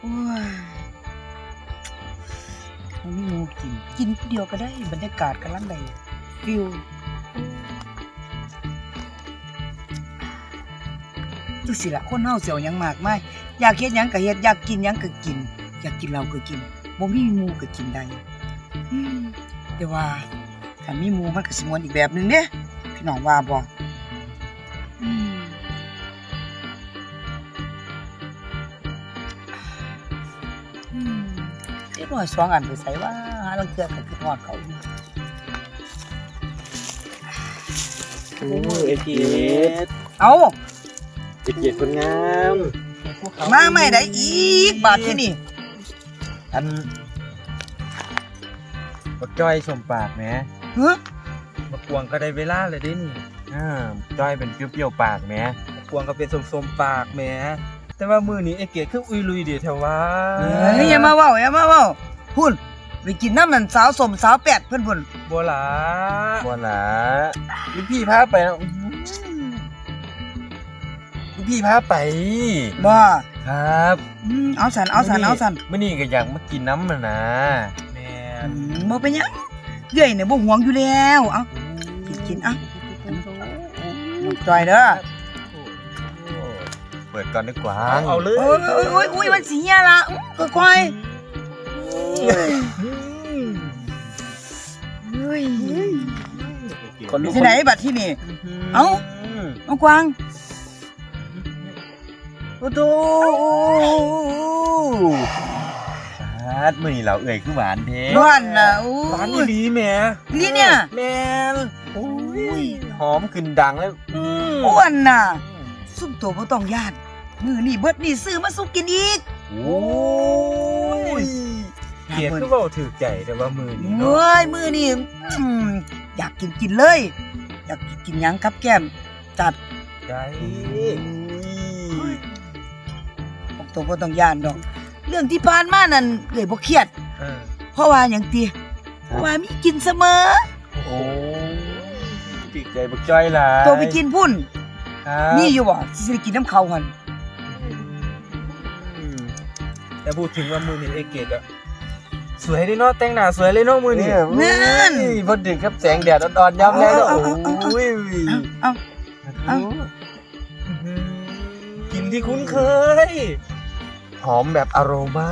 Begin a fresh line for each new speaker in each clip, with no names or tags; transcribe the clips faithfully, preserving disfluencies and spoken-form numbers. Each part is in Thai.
โอ้ยมันไม่งูกินกินเดียวก็ได้บรรยากาศกำลังได้ฟิลจังสิล่ะคนเฮาเสียวหยังมากมายอยากเฮ็ดหยังก็เฮ็ดอยากกินหยังก็กินอยากกินเหล้าก็กินบ่มีหมู่ก็กินได้อืมแต่ว่าถ้ามีหมู่มันก็สิม่วนอีกแบบนึงเด้พี่น้องว่าบ่อืมอืมเด็กน้อยสองอันไปไสว่าหาลางเทื่อก็คิดฮอดเขาอยู่
โอ้เอเกียรติ
เอ้า
เอเกียรติคนงาม
มาไม่ได้อีกบาดที่นี่
อันบักจ้อยสมปากแหม
เฮ้อ
มากวางก็ได้เวลาเลยเด้นี่
อ่าจ้อยเป็นเปรี้ยวๆปากแหม
มากวางก็เป็นสมๆปากแหมแต่ว่ามือนี้ไอ้เกียรติคืออุยลุยเดียวแถวว่า
เฮ้ยอย่ามาเว้าอย่ามาเว้าพุ่นไปกินน้ำมันสาวสมสาวแปดเพิ่นพุ่น
บัวหลา
บ่ล่ะลูกพี่พาไปนะอื้อหือลูกพี่พาไป
บ่
ครับ
อืมเอาสันเอาสันเอาสัน
มื้อนี้ก็อยากมากินน้ำน่ะนะ
แม่
อื
น
มบ่เป็นหยังเอื้อยเนี่ยบ่ห่วงอยู่แล้วเอากินกินอ่ะน้องจอยเด้อ
เปิดก่อนดีกว่า
เอาเอาเลย
โอ้ยโอ้ยโอ้ยโอ้ยมันสิเหี่ยละอื้อค่อยๆเฮ้ย
คนลุ
ไป
ก
ที่ไหนบัดที่นี่ เอ้า น้องกวางโอ้โธ่
ชาดมื้อนี้เราเอ่ยคือหวานแท้
ร้อนน่ะโอ้
ร้านอี
ย
หลีแหม่
นี่เนี่ย
แม่น
โอ้ย
หอมขึ้นดังแล้ว
อืม
อ้วนน่ะซุ่มตัวบ่ต้องย่านมือนี่เบิดนี่ซื้อมาสุกกินอีก
โอ้ย
เกียรติคือเว้าถือใจแต่ว่ามือนี้
เฮ้
เนาะ
ยมือนี่อืมอยากกินกินเลย อยากกินกินหยังครับแก้มจัด
ได้
บอกตัวบ่ต้องย่านดอก เรื่องที่ผ่านมานั่นเอ้ยบ่เครียด
เออ
เพราะว่าหยังติเพราะว่ามีกินเสมอ
โอ้ติดใจบักจ้อยหลาย
ตัวไปกินพุ่น
ครับ
มีอยู่บ่สิได้กินน้ำเขาหั่น
อืม
แต่พูดถึงว่ามือนี้ไอ้เกียรติอะสวยเลยเนาะแต่งหน้าสวยเลยเนาะมือนี้
เนี่ยพอดึกครับแสงแดดอ่อนๆย้ำแล้วโอ้ย
เอ้า เอ้า
อื้อหือกินที่คุ้นเคย
หอมแบบอโรมา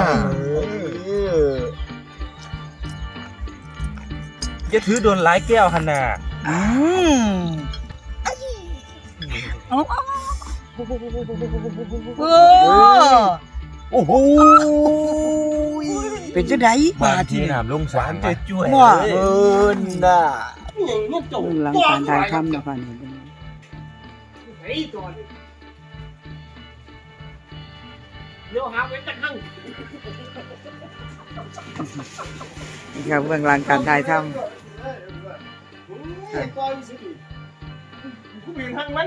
อย่าถือโดนหลายแก้วหั่นน่ะ
อืมเอาเอาเออ
โอ้โห
เป็นจังได๋
บา
บาด
ที่
ที่นี่
น้ำลง
ห
สาว
าน
น
จ่วยๆ
ว่า
เลย
เอินน่ะ
หลังการถ่ายทำนะคะนี่
เดี๋ยวหาไว้จังหัง
นี่ครับเบื้องหลังการถ่ายท
ไอ้ก้อนสิกูเปลี่ยนทางมัน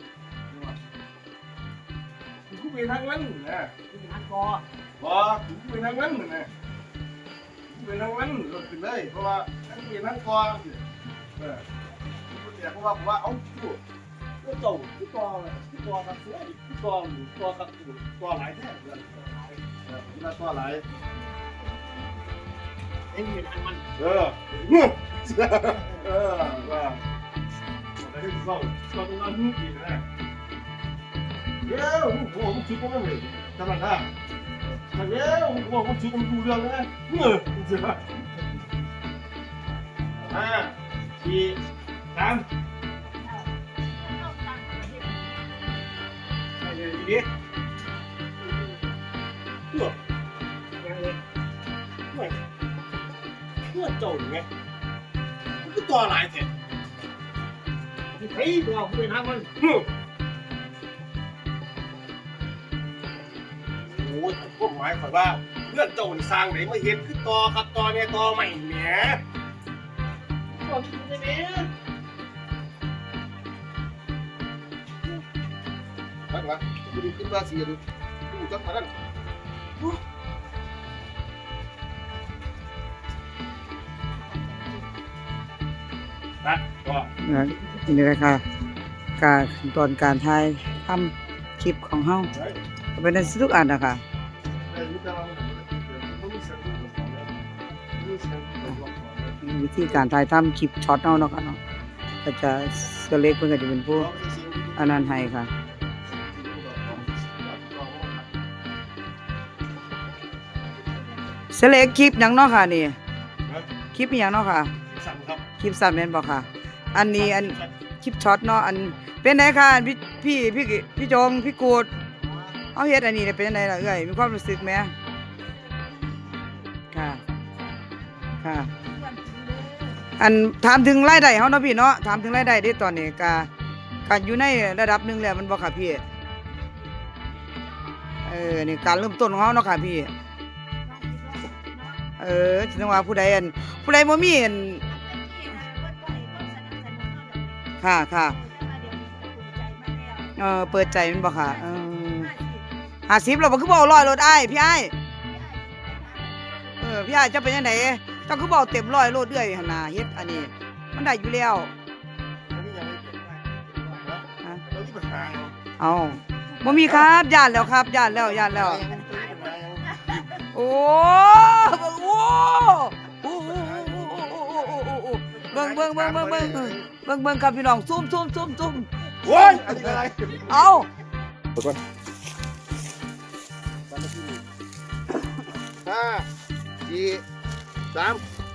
กูเปลี่ยนทางมันนะทางกอบอกกูเปลี่ยนทางมันนะกูเปลี่ยนทางมันหลุดไปเลยเพราะว่าทั้งเปลี่ยนทางกอเออกูเสียเพราะว่าผมว่าเอ้ากูก็โตกูกอเลยกูกอกับเสือกูกอหมูกอกับกูกอหลายแท้เลยเออกูน่ากอหลายเอ็งเปลี่ยนทางมันเออเออว่าอะไรที่เขาเขาต้องการหุ่นดีนะเดี๋ยวผมผมคิดว่าไม่เหมือนธรรมดาแต่เดี๋ยวผมผมคิดว่าดูเรื่องนะเมื่อเสียห้าสี่สามอะไรดีดิเพื่อเพื่อเพื่อโจรไงมันก็ตัวหลายเสร็จเฮ้ยตัวผมเป็นทางมันโอ้ยพวกหมายความว่าเพื่อนโจรสร้างไหนมาเห็นคือตอครับตอเนี่ยตอใหม่แหมตอที่ไหนเนี่ยนั่นวะกูดูขึ้นมาเสียดูดูจังหวะนั้นนะก็
ำนี่แหละค่ะการตอนการถ่ายทำคลิปของเฮาก็เป็นได้ทุกอันนะคะ
ไอ้แต่ว่ามันมันมีเสียงที่มันสอนเลยมีเสียงที่มันบอกสอนเลย
วิธีการถ่ายทำคลิปช็อตเอาเนาะค่ะเนาะก็จะเสอเล็กเพิ่นก็จะเป็นผู้อันนั้นให้ค่ะเสอเล็กคลิปหยังเนาะค่ะนี่คลิปอีหยังเนาะค่ะ
สั่งครับ
คลิปสั้นแม่นบ่ค่ะ อันนี้อันคลิปช็อตเนาะอันเป็นไงค่ะพี่พี่พี่พี่จงพี่กูดเอาเฮ็ดอันนี้ได้เป็นจังไดล่ะเอ้ยมีความรู้สึกไหมค่ะค่ะ อันถามถึงรายได้เฮาเนาะพี่เนาะถามถึงรายได้เด้ตอนนี้ก็ก็อยู่ในระดับหนึงแล้วมันบ่ค่ะพี่เออนี่การเริ่มต้นของเฮาเนาะค่ะพี่เออถึงว่าผู้ใดอันผู้ใดบ่มีอันค่ะค่ะเออเปิดใจมันบ่ค่ะเออห้าสิบแล้วบ่คือบ่เอาร้อยรถอ้ายพี่อ้ายเออพี่อ้ายจะเป็นจังไดเจ้าคือบ่เอาเต็มร้อยโลดเอื้อยหั่นน่ะเฮ็ดอันนี้มันได้อยู่แล้ว
อันนี้ยังไม่เก็บได้
ฮะ
แล้วที่ปัญหา
เอาบ่มีครับย่านแล้วครับย่านแล้วย่านแล้ว โอ้โอ้โอ้โอ้เบิ่งเบิ่งเบิ่งเบิ่งเบิ่งเบิ่งเบิ่งเบิ่งครับพี่น้องซุ่มซุ่มซุ่มซุ่ม
โอ้ยอันนี้อะไร
เอา
ห้าสี่สาม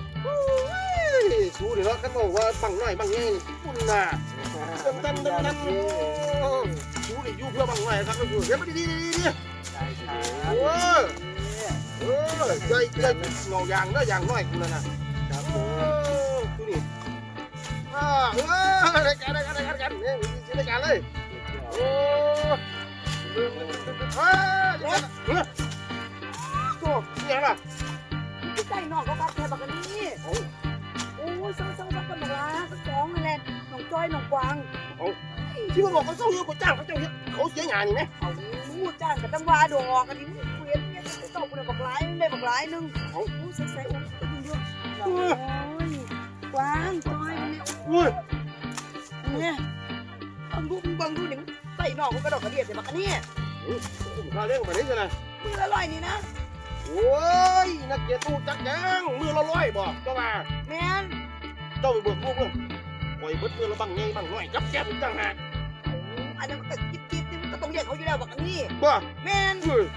สู้เดี๋ยวกันบอกว่าบังหน่อยบังไงคุณน่ะตันตันตันตันสู้เดี๋ยวอยู่เพื่อบังหน่อยครับก็คือเดี๋ยวมาดีดีดีดีโอ้ยเออใจใจเงายางเนื้อยางน้อยกูแล้วนะครับผมดูนี่อ่าเออรายการรายการรายการกันเนี่ยชื่อรายการเลยโอ้เออเดี๋ยวเฮ้ยโอ้ยังล่ะ
ใส่น้องเขาบักแค่บักกันนี่โอ้ยซ้ำซ้ำซ้ำกันบักลาสองนั่นแหละน้องจ้อยน้องกวาง
ที่มันบอกเขาเศร้าอยู่กับจ้างเขาเจ้าเขาเสียงานนี่ไหม
เอาจ้างกับตั้งวาดอกกันนี่เวียนเนี่ยตกเลยบักหลายได้บักหลายนึงเอาใส่ใส่โอ้ยดูโอ้ยกวางจ้อยเนี่ย
อุ้ย
เนี่ยบังดูบังดูนี่ใส่น้องเขากระดกกระเดียดเลยบักกันนี่
ผมพาเล่นมาได้ยังไง
มือละลอยนี่นะ
โอ้ยนักเกียรติตู้จักยังมือละร้อยบอกเจ้ามา
แม่น
เจ้าไปเบิกพวกเพื่อนปล่อยเบิดมือละบังไงบังน้อยจับแก้มจังหาก
อันนั้นมันก็จิ๊บจิ๊บนี่มันก็ต้องเรียกเขาอยู่แล้วบักกันนี่
บ้า
แม่น
เฮ้ย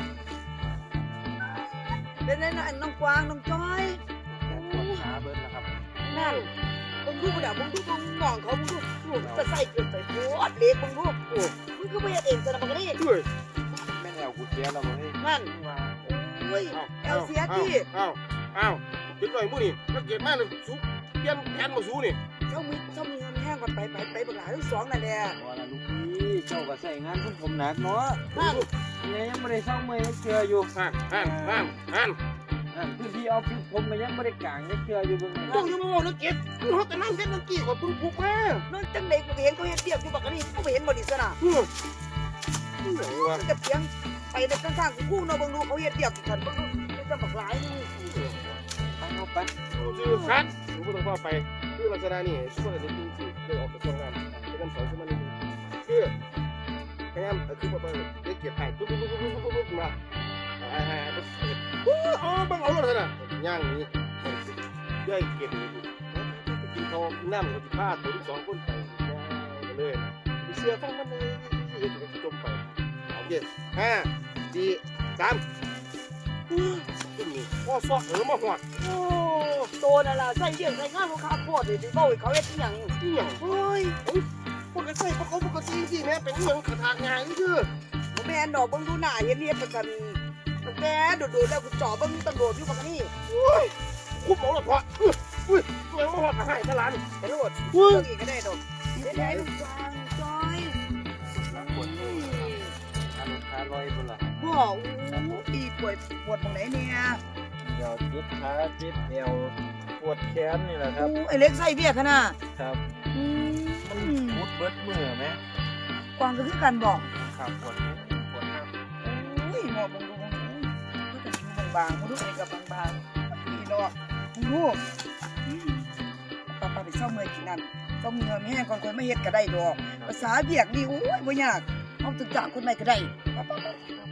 เป็นไงนะน้องกวางน้องจ้อย
ปวดขาเบิดแล้วครับ
นั่นมึงดูกูเดี๋ยวมึงดูมึงมองเขามึงดูมึงจะใส่เกินใส่โคตรเล็กมึงดูโอ้มึงก็ไม่เองจะทำมันก็ได้
เฮ้ย
แม่นแอวกูเสียแล้วบ่เฮ้ย
นั่น
ว่า
โอ้ยแอลเสียที่
อ้าวอ้าวเด็กหน่อยมู้นี่นักเกียรติมากเลยสู้เปลี่ยนแผนมาสู้นี่
เจ้ามีเจ้ามีเงินแห้งก่อนไปไปไปบักหลาทั้งสองนั่นแหละ
บ่ล่ะลูกพี่เจ้าก็ใส่งานของผมหนักเนาะ
นั่น
เนี่ยยังบ่ได้เซาเมื่อยยังเชื่ออยู่
ฮันฮันฮันฮัน
นั่นพื้นที่ออฟฟิศผมก็ยังบ่ได้กางยังเชื่ออยู่เบิ่ง
เจ้าอยู่มาบอกนักเกียรติคุณเขาแต่นั่งเล่นนักเกียรติก่อนพึ่งพุกมา
นั่นจังเด็กกูเห็นเขาเห็นเทียบอยู่บักนี่กูไม่เห็นบอดี้สนะ
เฮ้ยไหนวะ
จะเพียงไปในข้างๆกูกู้เนาะบังดูเขาเห็นเทียบกันบังดูจะบักหลายนึง
ไปเอาไป
ชื่อคัดรู้ก็ต้องว่าไปคือลักษณะนี่ช่วยกันจริงๆได้ออกกระทรวงงานเป็นคำสอนขึ้นมาหนึ่งคือพยายามคือว่าได้เกียรติให้ปุ๊บปุ๊บปุ๊บปุ๊บปุ๊บปุ๊บมาไอ้ไอ้ปุ๊บอ๋อบังเอาเลยนะย่างนี้ได้เกียรติกินทองน้ำกับผ้าตัวที่สองคนไปเลยมีเสื้อฟังมันเลยจมไปโอเคห้าสี่สามขึ้นนี่พ่อซอกเออมาหอด
โอ้โตนั่นล่ะใส่เรื่องใส่งานลูกค้าโคตรเลยที่เบ้าเขาเฮ็ดอย่าง
นี่อย่าง
เฮ้ย
ปกติพวกเขาปกติสิแม่เป็นเมืองขทางงานนี่คือ
แม่นดอกบังดูหน้าเห็นเฮ็ดประกันแกโดดๆแล้วกูจ่อบังตำรวจอยู่บักนี่
คุบหมอละพออุ้ยตัวยังมาหอดหายตลาด
ตำรวจเรื่องอีกก็ได้ดอกเฮ็ดให้ลูกจางจอย
ล้างปวดมือขาลงขาลอยพุ่นล่ะ
พ่ออู้อีป่วยปวดตรงไหนเนี่ย
เดี๋ยวเจ็บขาเจ็บเอวปวดแขนนี่แหละครับ
อู้ไอ้เล็กใส่เบี้ยขนาด
ครับ
อืม
ปวดเบิดมือไหม
กวางก็คือกันบอก
ครับปวดแขนปวดขา
อุ้ยหมอบังดูบังดูก็จะดูบางๆมึงดูไอ้กับบางๆนี่ดอกมึงดูป้าป้าไปเศร้าเมื่อยกินนั่นต้องมีเงินแห้งก่อนคนไม่เฮ็ดก็ได้ดอกภาษาเบียกนี่โอ้ยบ่ยากเอาตึกจากคนไหนก็ได้ป้าป้าป้า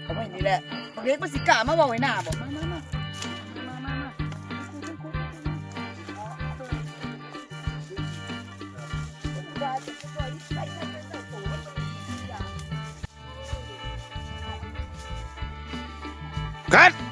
เอาไว้นี่แหละบักเล็กมันสิกล้ามาบอกไว้หน้าบอกมามามามามามา
กัด